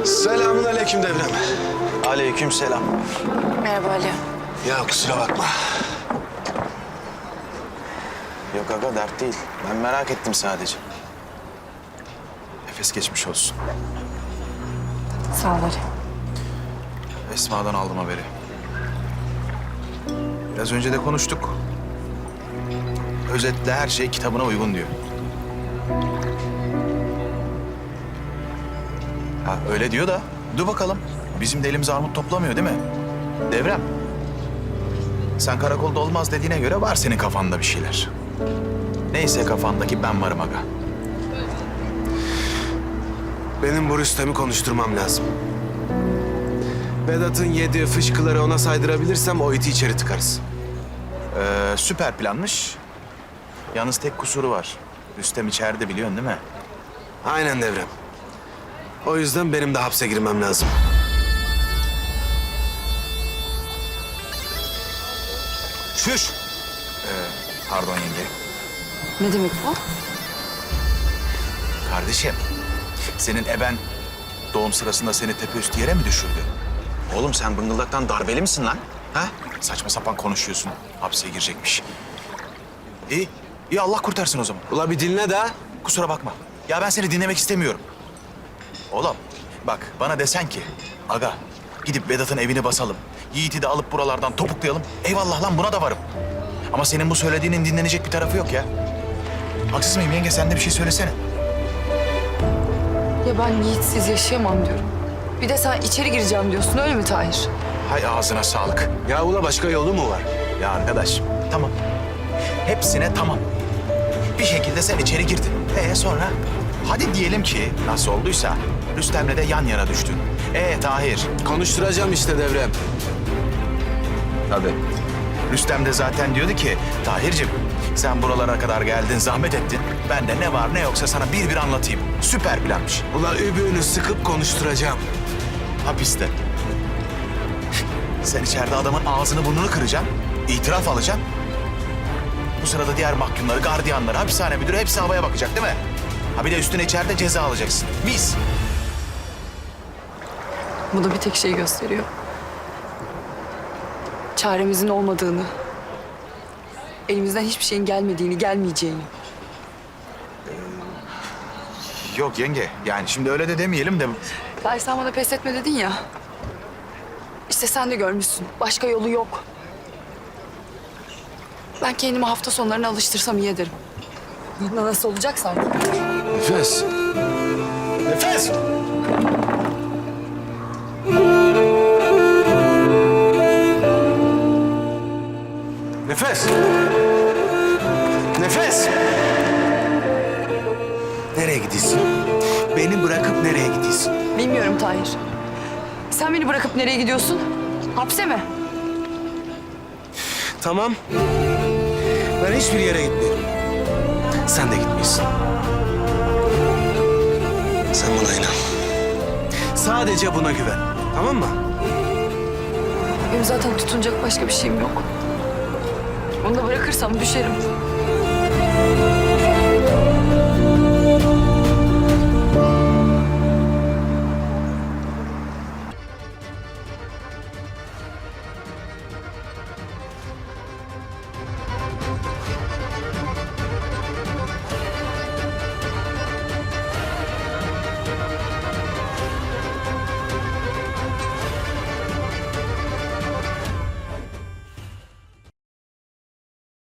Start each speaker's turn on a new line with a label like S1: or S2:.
S1: Selamun aleyküm Devrem.
S2: Aleyküm selam.
S3: Merhaba Ali.
S1: Ya kusura bakma.
S2: Yok aga dert değil. Ben merak ettim sadece. Nefes geçmiş olsun.
S3: Sağ ol Ali.
S2: Esma'dan aldım haberi. Biraz önce de konuştuk. Özetle her şey kitabına uygun diyor. Ha öyle diyor da dur bakalım. Bizim de elimiz armut toplamıyor değil mi? Devrem. Sen karakolda olmaz dediğine göre var senin kafanda bir şeyler. Neyse kafandaki ben varım aga.
S1: Benim bu Rüstem'i konuşturmam lazım. Vedat'ın yediği fışkıları ona saydırabilirsem o iti içeri tıkarız.
S2: Süper planmış. Yalnız tek kusuru var. Rüstem içeride biliyorsun değil mi?
S1: Aynen Devrem. O yüzden benim de hapse girmem lazım. Şuş!
S2: Pardon yenge.
S3: Ne demek bu?
S2: Kardeşim, senin eben doğum sırasında seni tepeüstü yere mi düşürdü? Oğlum sen bıngıldaktan darbeli misin lan? Ha? Saçma sapan konuşuyorsun. Hapse girecekmiş. İyi, iyi Allah kurtarsın o zaman.
S1: Ula bir dinle de.
S2: Kusura bakma. Ya ben seni dinlemek istemiyorum. Oğlum bak bana desen ki... Aga gidip Vedat'ın evini basalım. Yiğit'i de alıp buralardan topuklayalım. Eyvallah lan buna da varım. Ama senin bu söylediğinin dinlenecek bir tarafı yok ya. Haksız mıyım yenge? Sen de bir şey söylesene.
S3: Ya ben Yiğitsiz yaşayamam diyorum. Bir de sen içeri gireceğim diyorsun öyle mi Tahir?
S2: Hay ağzına sağlık.
S1: Ya ula başka yolu mu var?
S2: Ya arkadaş tamam. Hepsine tamam. Bir şekilde sen içeri girdin. Sonra? Hadi diyelim ki nasıl olduysa Rüstem'le de yan yana düştün. Tahir.
S1: Konuşturacağım işte Devrem.
S2: Tabii. Rüstem de zaten diyordu ki Tahir'cim sen buralara kadar geldin, zahmet ettin. Ben de ne var ne yoksa sana bir anlatayım. Süper planmış.
S1: Ula übüğünü sıkıp konuşturacağım.
S2: Hapiste. Sen içeride adamın ağzını burnunu kıracaksın. İtiraf alacaksın. Bu sırada diğer mahkumları, gardiyanları, hapishane müdürü hepsi havaya bakacak değil mi? Ha bir de üstüne içeride ceza alacaksın. Mis.
S3: Bu da bir tek şey gösteriyor. Çaremizin olmadığını, elimizden hiçbir şeyin gelmediğini, gelmeyeceğini.
S2: Yok yenge yani şimdi öyle de demeyelim de...
S3: Tahir sen bana pes etme dedin ya. İşte sen de görmüşsün. Başka yolu yok. Ben kendimi hafta sonlarına alıştırsam iyi ederim. Nasıl olacaksa artık.
S1: Nefes. Nefes! Nefes! Nefes! Nereye gidiyorsun? Beni bırakıp nereye gidiyorsun?
S3: Bilmiyorum Tahir. Sen beni bırakıp nereye gidiyorsun? Hapse mi?
S1: Tamam. Ben hiçbir yere gitmiyorum. Sen de gitmiyorsun. Sen buna inan. Sadece buna güven. Tamam mı?
S3: Benim zaten tutunacak başka bir şeyim yok. Onu da bırakırsam düşerim.